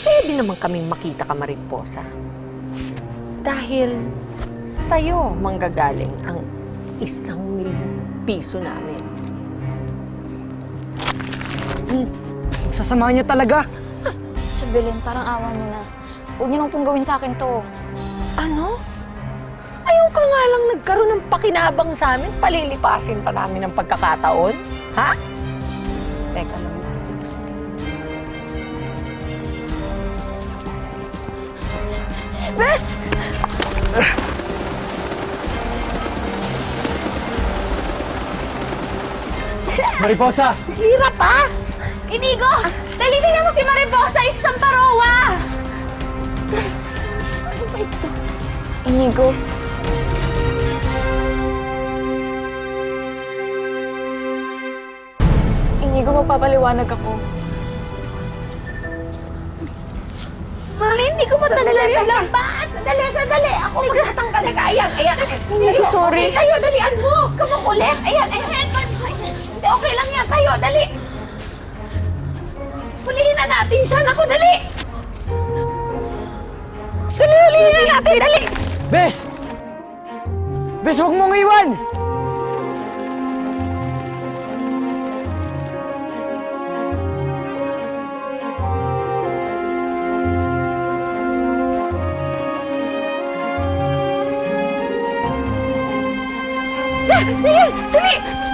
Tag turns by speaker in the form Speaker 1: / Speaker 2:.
Speaker 1: masaya din naman kaming makita ka, Mariposa. Dahil sa'yo manggagaling ang 1,000,000 namin.
Speaker 2: Sasamahan niyo talaga.
Speaker 3: Belen, parang awa niyo na. Huwag niyo nang pong gawin sa akin to.
Speaker 1: Ano? Ayaw ka nga lang nagkaroon ng pakinabang sa amin, palilipasin pa namin ang pagkakataon? Ha?
Speaker 3: Teka lang. Bes!
Speaker 2: Mariposa!
Speaker 1: Hirap ah!
Speaker 3: Inigo! Dalitin mo si Mariposa! Isa siyang parowa!
Speaker 1: Ano ba ito?
Speaker 3: Inigo. Inigo, magpapaliwanag ako.
Speaker 1: Mami, hindi ko matanggal yung lambat! Sandali! Ako magtatanggal na ayan!
Speaker 3: Inigo, sorry.
Speaker 1: Okay, tayo, dalian mo! Kamakulit! Ayan! Hindi, okay lang yan! Tayo, dali! Hulihin na natin siya! Naku, dali! Hulihin na natin! Dali!
Speaker 2: Bes! Bes, huwag mong iwan!
Speaker 1: Dali!